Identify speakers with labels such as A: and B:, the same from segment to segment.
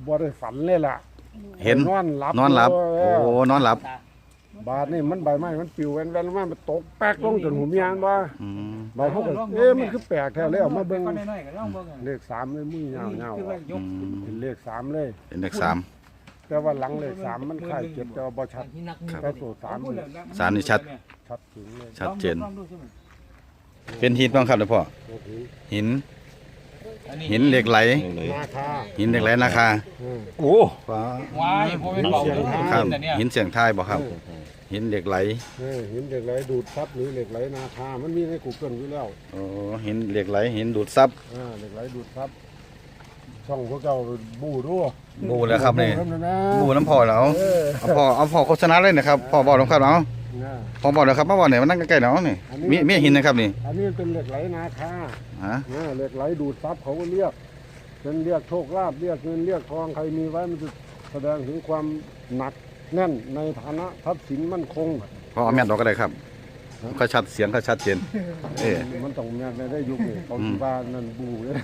A: บ่ได้ฝันเลยล่ะ
B: เห็น
A: นอนหลับ
B: นอนหลับ
A: เอ
B: โอ้
A: อ
B: นอนหลับบ
A: าดนี่มันใบไม้มันปลิวแว่นๆมันตกแป๊กลงจนหูมีอันว่า
B: อืม
A: บาดเขาก็มันคือแปลกแท้เลยเอามาเบิ่ง
C: น้อยๆก็ลองเบิ่ง
A: เลข3เลยมือยาว
C: คือว่ายก
A: เป็นเลข3เลย
B: เป็นเลขสาม
A: แต่ว่าหลังเลข3มันคล้าย7แต่ว่าบ่ชัด
B: ครับ
A: แต่ตัว3นี่
B: สามนี่ชัด
A: ชัดถึงเลย
B: ชัดเจน เป็นหินบ้างครับหลวงพ่อ
A: โอ้โห
B: หิน หินเหล็กไหล
A: นาคา
B: หินเหล็กไหลนาคา
A: โอ้
B: ฟ้า
C: ว้ายบ่เป็นเบาเลย
B: ครับ
C: แต่เนี่ย
B: หินเสียงทายบ่ครับ หินเหล็กไหล
A: หินเหล็กไหลดูดซับหรือเหล็กไหลนาคามันมีในกูเกิลอยู่แล้ว
B: โอ้หินเหล็กไหลหินดูดซับ
A: เหล็กไหลดูดซับช่องพวกเจ้าบูด้วย
B: บูแล้วครับนี่
A: นะ
B: บูน้ำพ่อแล้ว
A: เออ
B: เอาพ่อโฆษณาเลยนะครับพ่อบอกน้ำครับเอา
A: นะ
B: พ่อบอกเลยครับมาบอกเนี่ยมันนั่งใกล้ๆเนาะนี่มีหินนะครับนี่
A: อันนี้เป็นเหล็กไหลนาคา
B: ฮะ
A: เหล็กไหลดูดซับเขาก็เรียกเป็นเรียกโชคลาภเรียกเงินเรียกทองใครมีไว้มันจะแสดงถึงความหนักแน่นในฐานะทรัพย์สินมั่นคง
B: พ่อเอาแม่นออกก็ได้ครับก็ชัดเสียงก็ชัดเจนเอ๊ะ
A: มันต้องแม่นในได้ยุคนี่เขาที่บ้านนั่นบูเลย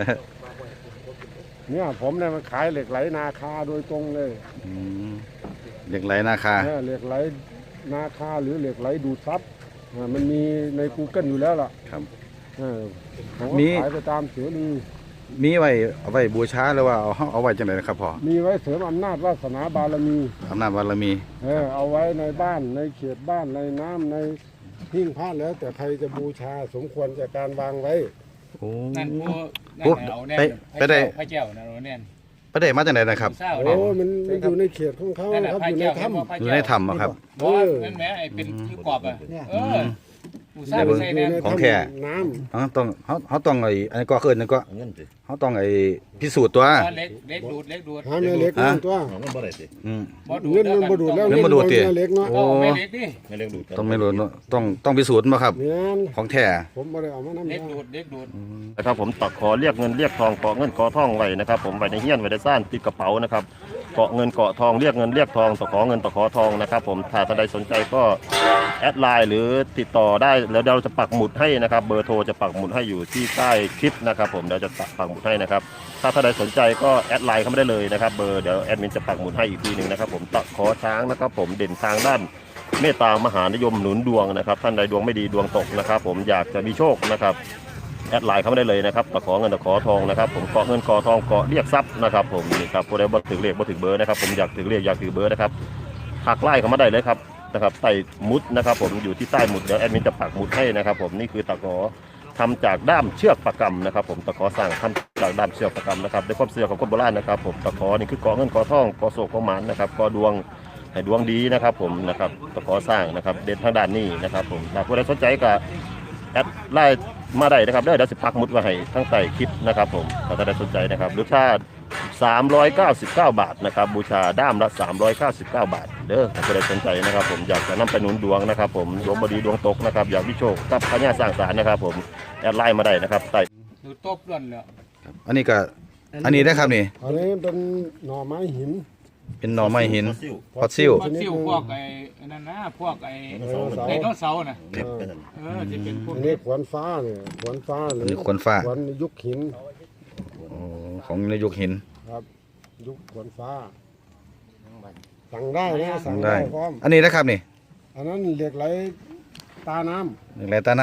A: เนี่ยผมเนี่ยมันขายเหล็กไหลนาคาโดยตรงเลย
B: อืมเหล็กไหลนาคา
A: เหล็กไหลนาคาหรือเหล็กไหลดูดซับมันมีใน Google อยู่แล้วล่ะ
B: ครับ
A: ผมก็ขายไปตามเสือนี
B: มีไว้เอาไว้บูชาหรือว่าเอาไว้จังไดนะครับพ่อ
A: มีไว้เสริมอำนาจวาสนาบารมี
B: อำนาจบารมี
A: เอาไว้ในบ้านในเขตบ้านในน้ำในหิ้งพระแล้วแต่ใครจะบูชาสมควรจะการวางไว้
B: โอ้
C: นั่นผู้นั่น
B: โอ้
C: เอาแน่
B: ไปได้
C: พระเจ้านะเอาแน่น
B: ประเด็นมาจากไหนนะครับ
C: เศร้า
A: โอ้
C: เนี่ย
A: มันอยู่ในเขตของเขา
C: นั่นน่ะ
A: ครับ
C: พระ
A: อยู่ใน
C: เจ้า
A: ถ้ำ
B: อยู่ในถ้ำอะครับ
C: บ่นั่นแหมไอ้เป็นที่กรอบอ่ะเออผู้สร้างใส่แน่
B: ของแท้
A: น้
B: เขาต้องอันนี้ก็คืออันนี้ก็เขาต้องพิสูจน์ตัว
C: เล็กดูด
A: ำหาแม่เล็กนั่นตัว
B: อืม
C: บ่ดู
A: เงินมันบ่ดูดแล้ว
B: เงินบ่ดูดติ
A: แม่เล็กเนาะ
B: โอ้
C: ไม่เล็กดิ
B: ต้องไม่รู้เนอะต้องพิสูจน์มาครับ
A: เนี่ย
B: ของแท้
A: ผมไม่ได้เอามาน้ำ
C: เล็ก
A: ยา
C: ดูด
D: นะครับผมตักขอเรียกเงินเรียกทองเกาะเงินเกาะทองไว้นะครับผมไว้ในเฮี้ยนไว้ในซ่านติดกระเป๋านะครับเกาะเงินเกาะทองเรียกเงินเรียกทองตะขอเงินตะขอทองนะครับผมถ้าท่านใดสนใจก็แอดไลน์หรือติดต่อได้แล้วเราจะปักหมุดให้นะครับเบอร์โทรจะปักหมุดให้อยู่ที่ใต้คลิปนะครับผมเดี๋ยวจะปักหมุดให้นะครับถ้าท่านใดสนใจก็แอดไลน์เข้ามาได้เลยนะครับเบอร์เดี๋ยวแอดมินจะปักหมุดให้อีกทีหนึ่งนะครับผมตะขอช้างนะครับผมเด่นทางด้านเมตตามหานิยมหนุนดวงนะครับท่านใดดวงไม่ดีดวงตกนะครับผมอยากจะมีโชคนะครับแอดไลน์เข้ามาได้เลยนะครับตะขอเงินตะขอทองนะครับผมเกาะเงินเกาะทองเกาะเรียกทรัพย์นะครับผมนี่ครับผู้ใดบ่ถึงเลขบ่ถึงเบอร์นะครับผมอยากถึงเลขอยากถือเบอร์นะครับทักไลน์เข้ามาได้เลยครับนะครับใต้หมุดนะครับผมอยู่ที่ใต้หมุดเดี๋ยวแอดมินจะปักหมุดให้นะครับผมนี่คือตะขอทำจากด้ามเชือกประกำนะครับผมตะขอสร้างทำจากด้ามเชือกประกำนะครับด้วยความเชื่อของคนโบราณนะครับผมตะขอนี่คือเกาะเงินเกาะทองเกาะโศกเกาะหมานนะครับเกาะดวงให้ดวงดีนะครับผมนะครับตะขอสร้างนะครับเด่นทางด้านนี้นะครับผมถ้าผู้ใดสนใจก็แอดไลน์มาได้นะครับเดี๋ยวจะปักหมุดไว้ให้ทั้งใต้คลิปนะครับผมถ้าท่านใดสนใจนะครับหรือถ้า399 บาทนะครับบูชาด้ามละ399 บาทเด้อถ้าผู้ใดสนใจนะครับผมอยากจะนำไปหนุนดวงนะครับผมดวงบดีดวงตกนะครับอยากวิโชคกับพญาสร้างสารนะครับผมแอดไลน์มาได้นะครับใต้
C: ดูตบล้วนแล้ว
B: อันนี้ก็อันนี้ได้ครับนี่
A: อันนี้เป็นหน่อไม้หิน
B: เป็นหน่อไม้หินฟอสซิล
C: พวกซิ่วพวกไอ้นั่นนะพวกไอ้ไดโนเสาร์น่ะจะเป็นพวก
A: อันนี้ขวานฟ้าเนี่ยขวานฟ้าหรื
B: อั
A: อน
B: นี้ขวานฟ้า
A: ขวานยุคหิน
B: โอ้ของในยุคหิน
A: ครับ ยุคขวานฟ้าสั่งได้นะสั่ง
B: ได้
A: ได้พร้อม
B: อันนี้นะครับนี่
A: อันนั้นเหล็กไหลตาน้
B: เหล็กไหลใต้น้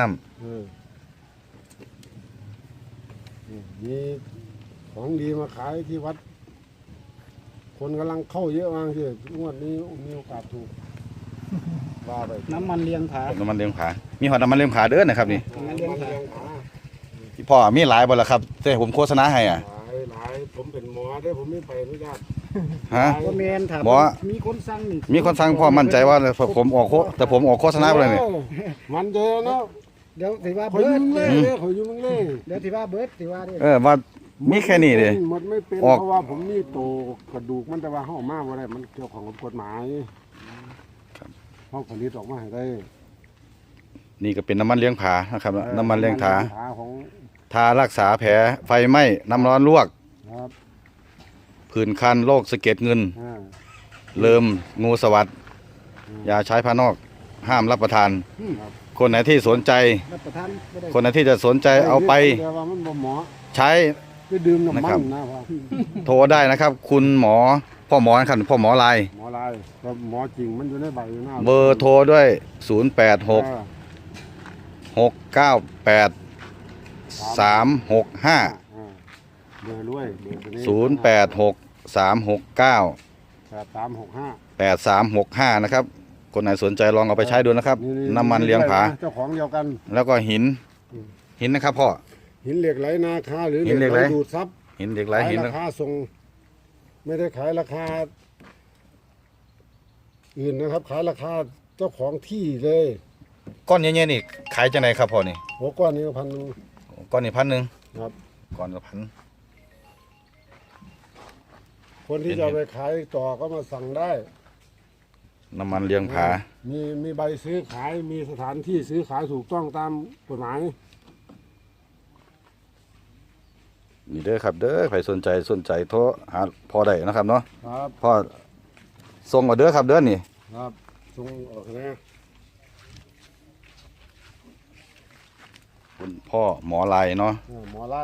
A: มีของดีมาขายที่วัด คนกำลังเข้าเยอะมากที่งวดนี้มีโอกาสถูกว่าไป
E: น้ำมันเลี้ยงผา
B: ำน้ำมันเลี้ยงผามีหอดน้ำมันเลี้ยงผาเด้อนะครับนี่
E: น้ำมันเลี้ยงผา
B: พี่พ่อมีหลายบ่ล่ะครับแต่ผมโฆษณาให้อ่ะ
A: หลายผมเป็นหมอได้ผมไม่ไปไม่ได้
B: ฮะ
E: ก็แมนถาม
B: หมอ
E: มีคนสั่งนี่
B: มีคนฟังพ่อมั่นใจว่าผมออกแต่ผมออกโฆษณาไปเลยนี่
A: มันเจอเนาะ
E: เดี๋ยวถือว่า
A: เขา
E: เบิ
A: อ
E: ร์
A: ยุ่
E: ด
A: งเล่เลยเขาอยู่มึงเล่
E: เดี๋ยวถือว่าเบิร์ดถือว่าเนี่ย
B: ว่ามีแค่นี้เลย
A: มันไม่เป็น
B: ออก
A: เพราะว่าผมนี่โตกระดูกมันแต่ว่าห้องมาว่าได้มันเกี่ยวของกับกฎหมายห้องผลิตออกมาให้ได้
B: นี่ก็เป็นน้ำมันเลี้ยงผานะครับน้ำมันเลี้ยงผา
A: ของ
B: ทารักษาแผลไฟไหม้น้ำร้อนลวก
A: ครับ
B: ผื่นคันโรคสะเก็ดเงิน
A: อ่า
B: เริ่มงูสวัสดยาใช้ภายนอกห้ามรับประทาน คนไหนที่สนใจ
E: รับประทานไม่ได้
B: คนไหนที่จะสนใจเอาไป
A: แต่ว่ามันบ่เหมาะ
B: ใช้
A: ไปดื่มน้ำ
B: นะ
A: มั
B: ครับ
A: นนะพ่อ
B: โทรได้นะครับ คุณหมอพ่อหมอนะครับพ่อหมอลาย
A: หมอลายก็หมอจริงมันอยู่ในใบอยู่หน้า
B: เบอร์โทรด้วย 0 8 6
A: เออ
B: 6 9 8 3 6 5
A: เบอร์รวยเบอร์ตัวนี้
B: 0 8 6 3 6 9
A: 8365
B: 8365นะครับคนไหนสนใจลองเอาไปใช้ดูนะครับ น้ำมันเลี้ยงผา
A: เจ้าของเดียวกัน
B: แล้วก็หิน
A: อืม
B: หินนะครับพ่อ
A: หินเหล็กไหลนาคาหรือ
B: หินเหล็กไหล
A: ดูดซับ
B: หินเหล็กไหล
A: ขาย
B: หิน
A: ราคาส่งไม่ได้ขายราคาอื่นนะครับ ขายราคาเจ้าของที่เลย
B: ก้อนเงี้ยๆนี่ขายจังไหนครับพ่อนี่
A: หัวก้อนนี้ก็1,000
B: ก้อนนี่1,000
A: ครับ
B: ก้อนละ1,000
A: คนที่จะเอาไปขายต่อก็มาสั่งได้
B: น้ำมันเลี้ยงผา
A: มีใบซื้อขายมีสถานที่ซื้อขายถูกต้องตามกฎหมาย
B: นี่เด้อครับเด้อใครสนใจโทรหาพ่อได้นะครับเนาะ
A: ครับ
B: พ่อส่งมาเด้อครับเด้อนี่
A: ครับส่งออกนะ
B: คุณพ่อหมอลายเนาะ
A: หมอไล่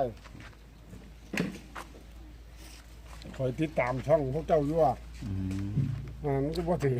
A: คอยติดตามช่องพวกเจ้าอยู่อ่ะมันก็บ่ถือ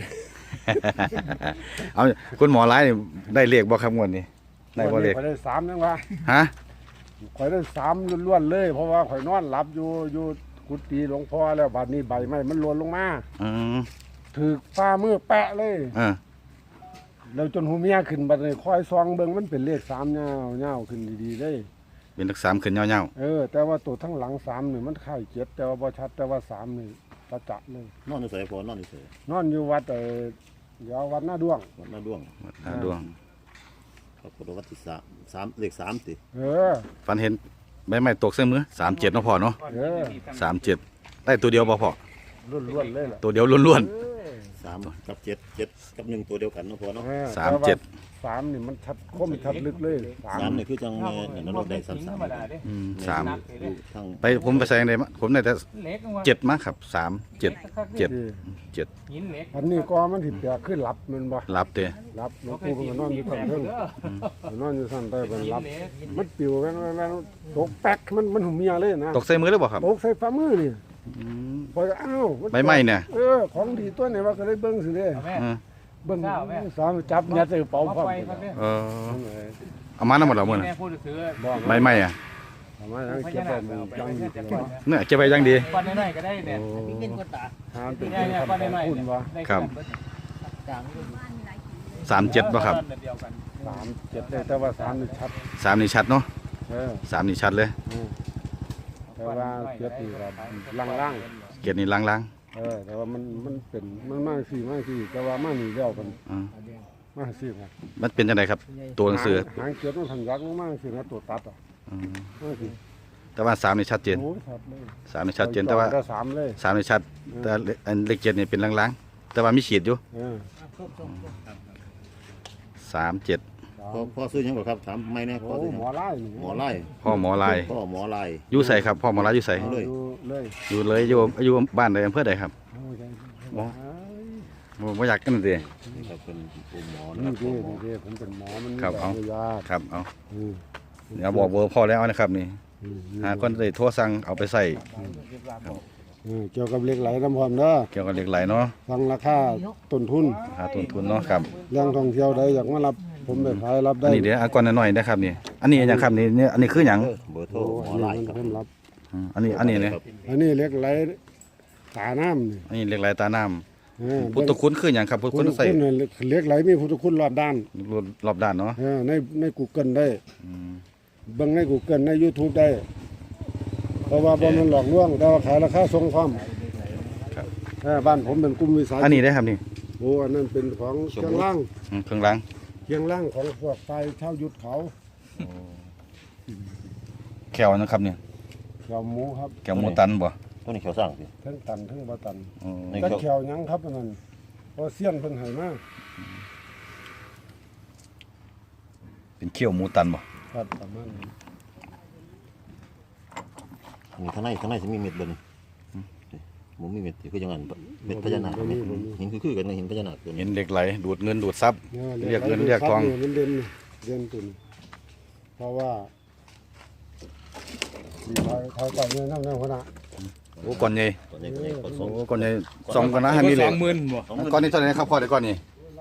B: เอาคุณหมอลายนี่ได้เรียกบ่ครับงวดนี้ได้บ่เรียก
A: ข่อยได้3ยังวะ
B: ฮะ
A: ข่อยได้3ล้วนๆเลย เพราะว่าข่อยนอนหลับอยู่กุฏิหลวงพ่อแล้วบัดนี้ใบไม้มันหล่นลงมา
B: อืม
A: ถือฟ้ามือแปะเลย แล้วจนหูเมียขึ้นบัดนี้คอยซองเบิ่งมันเป็นเลข3ยาวขึ้นดีๆเลย
B: เป็นทัก3ขึ้นยาว
A: แต่ว่าตัวทั้งหลัง3นี่มันคล้าย7แต่ว่าบ่ชัดแต่ว่า3นี่ตะจะเลย
D: นอนอยู่ไสพอนอนอยู่ไส
A: นอนอยู่วัดเดี๋ยววัดหน้าด้วง
D: วัดหน้าด้วง
B: ๆดวง
D: ครับกดวัดที่3เลข3ติ
A: เออ
B: ฝันเห็นใบไม้ตกใส่มือ37เนาะพ่อเนาะ
A: เออ
B: 37ได้ตัวเดียวบ่พ่อ
A: ล้วนๆเลยล่ะ
B: ตัวเดียวล้วน
D: 3กับ7 7กับ1ตัวเดียวกันเนาะพอเนาะ
A: 3นี่มันชัดคมชัดลึกเลย
D: 3นี่คือจังแม่นั่นเราได้
C: ธรรมดาเด้
B: ๆ
C: หนั
B: 3
C: กเลยเด้
D: ทั้ง
B: ไปผมไปใส่ในมะผมได้แต่
C: เล็กว่า
B: 7มาครับ3 7 7 7
C: หินเล็ก
A: อันนี้ก็มันสิเปียกขึ้นหลับมันบ่
B: รับเด้อ
A: หลับหลวงปู่ก็นอนอยู่ข้างเทิงนอนอยู่ข้างใต้มันหลับ มันปิวแว่นตกแป๊กมันหูเมียเลยนะ
B: ตกใส่มือหรือเปล่าครับ
A: ตกใส่ฝ่ามือนี่พออ้าว
B: ใบไม้เนี่ย
A: ของดีตัวไหนว่าก็ได้เบิ่งสิเด้
C: แม่
B: เออ
A: เบิ่งสามจับยัดใส่กระเป๋าพร้อม
C: ไปครับเนี่ย
B: เออเอามาน้ำหมดแล้วมื้อน่ะ
C: แม่พูดถือ
B: ใบไม้อ่ะ
A: ทำไมเก็บไว้มันจังอยู่ตลอด
B: เนี่ยเก็บไว้อยังดี
C: ก้อนน้อยๆก็ได้เนี่ย
A: หาเป็น
C: เนี่ย
A: คำ
C: ก้อน
A: ของ
C: น้อย
A: คุณบ่
B: ครับ 37บ่ครับ
A: 37ได้แต่ว่า3นี่ชัด
B: 3นี่ชัดเนาะ
A: เออ
B: 3นี่ชัดเลย
A: แต่ว่าเจ็ดนี่ก็ล่าง
B: เกียรตินี่ล้าง
A: ๆแต่ว่ามันเป็นมันมากสิแต่ว่ามานี่แล้วกัน
B: ๆอืม
A: มาสิครับ
B: มันเป็นจังไดครับ ตัวหนังสือ
A: หางเจ็ดมันทันยักมากสินะตัวตัดอ่ะ
B: อืม
A: มาสิ
B: แต่ว่า3นี่ชัดเจน
A: โอ้ชัดเลย
B: 3นี่ชัดเจนแต่ว่า
A: ได้3เลย
B: 3นี่ชัด แต่อันเลข7นี่เป็นล้างๆแต่ว่ามีขีดอยู่
A: เออ
B: 37
D: พ่อซื้อหยังบ่ครับถามไม่แน่พ่อ
A: โอ้
D: ซื้อหยัง
A: หมอไล่นี่
D: หมอไล่
B: พ่อหมอลาย
D: พ่อหมอไล่
B: อยู่ใส่ครับพ่อหมอลายอยู่ใส่
D: เลย
A: เลย
B: อยู่เลยอยู่บ้านใดอำเภอใดครับ
A: โอ้ย
B: อ๋อ บ่อยากกันเด้
D: นี่ครับเป็นผู้หมอนะ
A: นี่
D: ครับ
A: ดิผมเป็นหมอมัน
B: ครับเอา
A: ยา
B: ครับเอา
A: อืม
B: เดี๋ยวบอกเบอร์พ่อแล้วนะครับนี่
A: อืม
B: หาคนได้โทรสั่งเอาไปใส่
A: เกี่ยวกับเหล็กไหลน้ำพร้อมเด้อ
B: เกี่ยวกับเหล็กไหลเนาะ
A: ฟังราคาต้นทุน
B: หาต้นทุนเนาะครับ
A: เรื่องท่องเที่ยวใดอยากมารับผมไปขายรับ
B: อั
A: ได้
B: นนี้เดี๋ยวเอาก่อนหน่อยนะครับนี่อันนี้อย่างครับนี่เนี่ยอันนี้คือหยัง
D: เบอร์โทร
A: โอ้
D: หม
A: อั
D: อน ไล่
A: นี้
D: ครับ
A: ผมรับ
B: อันนี้เนี่ย
D: ครับ
A: อันนี้เหล็กไหลตาน้ำนี่
B: อันนี้เหล็กไหลตาน้ำ
A: เออ
B: พุทธคุณคือหยังครับพุทธ
A: พุ
B: คุ
A: ท
B: ณ
A: ธ
B: ใส่
A: คุณเนี่ยเหล็กไหลมีพุทธคุณรอบด้าน
B: รอบด้านเนาะ
A: ใน Google ได้
B: อืม
A: เบิ่งใน Google ใน YouTube ได้ เพราะว่าบ่มันหลอกลวงแต่ว่าขายราคาทรงความ
B: ครับ
A: บ้านผมเป็นกลุ่มวิสาห
B: อัน
A: กิจ
B: นี้ได้ครับนี่
A: โอ้อันนั้นเป็นของเชียงล่าง
B: เครื่องล้าง
A: เชียงล่างของพวกไฟเช่ายุทธเขา
B: แขวนะครับเนี่ย
A: เขียวหมูครับ
B: แขวหมูตันบ่
D: ตัวนี้เขาสร้างสิ
A: ทั้งตันทั้งบ่ตัน
B: อ๋อ
D: นี่
A: แต่เขียวหยังครับอันนั้นเพราะเสี้ยนเพิ่นให้มา
B: เป็นเขี้ยวหมูตันบ่
A: ครับประมาณนี้
D: มีข้างในสิมีเม็ดบ่นี่บ่มีเม็ดคือจังนั้นเม็ดพญานาคเม็ดหินคือกันกับหินพญานาคตัว
B: เห็
D: นี้
A: Ừ.
B: นเหล็กไหลดูดเงินดูดทรัพย์
A: เนี่ย
B: เรียกเงินเรียกทอง
A: มันเด่นตัวนี้เพราะว่ามีทอยก่อนเนี่ยนั่งหัวหน้า
B: โอ้ก่อนใหญ่
D: ตัวนี้ก็ยังผสม
B: โอ้ก่อนใหญ่สองกันนะให้มีเหล็ก
C: 20,000บ่
B: ก้อนนี้เท่าไหร่ครับพ่อเดี๋ยวก้อนนี้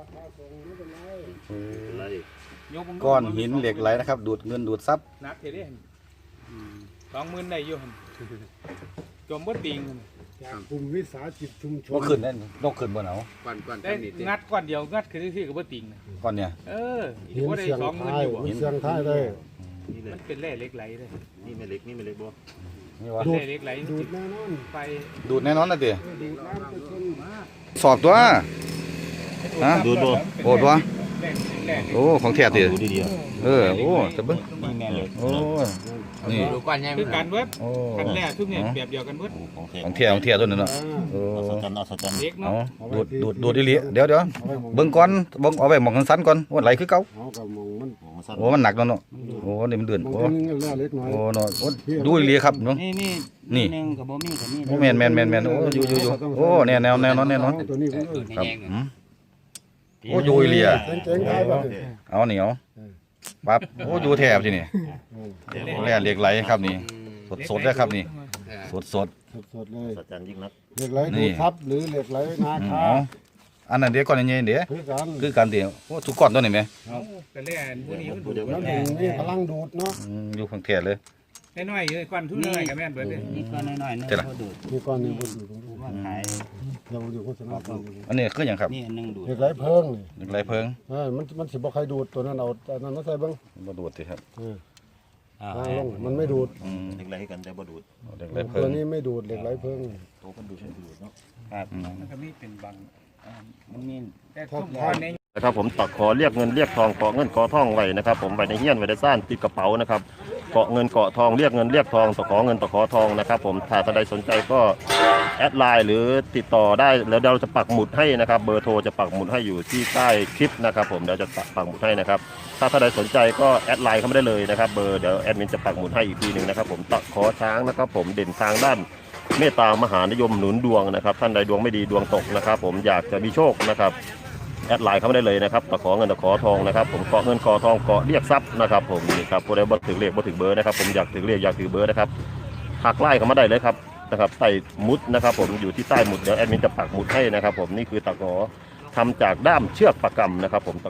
D: อะไร
C: ยก
B: ก้อนหินเหล็กไหลนะครับ ดูดเงินดูดทรัพย์
C: นักเท่เด้20,000ได้อยู่หั่นจมบ่ติงหั่น
A: จากกลุ่มวิสาหกิจชุมชน
B: ก็ขึ้นนั่นนกขึ้นบนเอา
C: ได้งัดก้อนเดียวงัดคือที่ก็บ่ติงนะ
B: ก้อนเนี่ย
C: เออ
A: หิน
C: บ่ได้
A: เสียง
C: 20,000
A: ท้าย
C: อยู่บ่
A: หินเสียงท้ายเลย
D: นี่เลย
C: มันเป็นแร่เหล็กไหลเลย
D: นี่ไม่เล็กนี่ไม่เล็กบ่
B: นี่วะ
C: แร่เหล็กไหล
A: ดูดแน่นอน
C: ไป
B: ดูดแน่นอนนะเดี๋ย
A: ดูดน้ำไปจน
B: สอบตัว ฮะ
D: ดูดบ่
B: โอ้ตัว
C: แร่
B: โอ้ของแท้ติ
D: ดูดี
B: เออโอ้จะเบิ้ง
D: นี่แม่เลย
B: โอ้นี่
C: คือการเบิด
B: โอ้
C: กันแร่ทุกเนี่ยแบบเดียวกันเบิด
D: ของแท้
B: ของแท้ตัวนั้นเนาะโอ้
D: อัศจรรย์อัศจรรย์
C: เล็ก
B: เอา
C: เนาะ
B: ดูดอีหลีเดี๋ยวเบิ้งก่อนเบิ้งเอาไว้หมองสั้นๆก่อนว่าไหลคือเก่า
A: เอากับมองมัน
D: โอ้มาสั้น
B: โอ้มันหนักเนาะโอ้นี่มันเดือน
A: มอง
B: โอ้
A: แค่นี้เลือดเล็กน้อย
B: โอ้เนาะโอ้ดูอีหลีครับน้อง
E: นี่
B: นี่
E: นึงกับบ่มีกับนี่
B: โอ้แม่นโอ้อยู่โอ้แน่นอน
A: ตัวนี้ก็
B: ครับโอ้อยู่อีหลีอ่ะ
A: เจ๋งๆท้ายบ้าง
B: เอาเหนียวปั๊บโอ้อยู่แถบที่นี่แร่เหล็กไหลครับนี่สดๆได้ครับนี่สด
A: สดๆเลย
D: อัศจรรย์ยิ่งนัก
A: เหล็กไหลดูดทับหรือเหล็กไหลนา
B: ๆ
A: คา
B: อ๋ออันนั้นเดี๋ยวก่อนนี่เดี๋ยว
A: คือกัน
B: คือการเดี๋ยวโอ้ทุกก้อนตัวนี้ไหม
C: กันแร่พวกนี้มัน
D: เดี๋ยว
A: น้ำหนึ่งนี่พลังดูดเนาะ
B: อยู่ข้างแถบเลย
C: น้อยๆก้อนทุนน้อยก็แม่นเบิดเด้
E: นี่ก็น้อยๆนึง
B: เท่าไหร่
E: เขาดูด
A: มีก้อนหนึงบนอยู่
E: ว่าขาย
A: เราอยู่โฆษณาก่อน
B: อันนี้คืออย่างครับ
E: นี่อันนึงดูด
A: เหล็กไหลเพิงนี่
B: เหล็กไหลเพิง
A: มันสิบ่ใครดูดตัวนั้นเอาแต่นั้นมาใส่เบิ่ง
B: มาดูดสิครับ
A: ทางลงมันไม่ดูด
D: เล็กไรกันแต่บ่ดูด
B: เหล็กไหลเพิ
A: ตัว
B: ง
A: นี้ไม่ดูดเหล็กไหลเพิง
D: โตกันดูดเนาะ
E: ครับมันก็มีเป็นบางมันมี
C: แต่ทุกคนใน
D: นะครับผมตักขอเรียกเงินเรียกทองเกาะเงินเกาะทองไว้นะครับผมไว้ในเฮี้ยนไว้ในซ่านติดกระเป๋านะครับเกาะเงินเกาะทองเรียกเงินเรียกทองตะขอเงินตะขอทองนะครับผมถ้าท่านใดสนใจก็แอดไลน์หรือติดต่อได้แล้วเราจะปักหมุดให้นะครับเบอร์โทรจะปักหมุดให้อยู่ที่ใต้คลิปนะครับผมเดี๋ยวจะปักหมุดให้นะครับถ้าท่านใดสนใจก็แอดไลน์เข้ามาได้เลยนะครับเบอร์เดี๋ยวแอดมินจะปักหมุดให้อีกทีหนึ่งนะครับผมตะขอช้างนะครับผมเด่นทางด้านเมตตามหานิยมหนุนดวงนะครับท่านใดดวงไม่ดีดวงตกนะครับผมอยากจะมีโชคนะครับแอดไลน์เข้ามาได้เลยนะครับตะขอเงินตะขอทองนะครับผมเกาะเงินเกาะทองเกาะเรียกทรัพย์นะครับผมนี่ครับผู้ใดบ่ถึงเลขบ่ถึงเบอร์นะครับผมอยากถึงเลขอยากถือเบอร์นะครับหักไล่เข้ามาได้เลยครับนะครับใต้มุดนะครับผมอยู่ที่ใต้หมุดเดี๋ยวแอดมินจะปักหมุดให้นะครับผมนี่คือตะขอทำจากด้ามเชือกประกำนะครับผม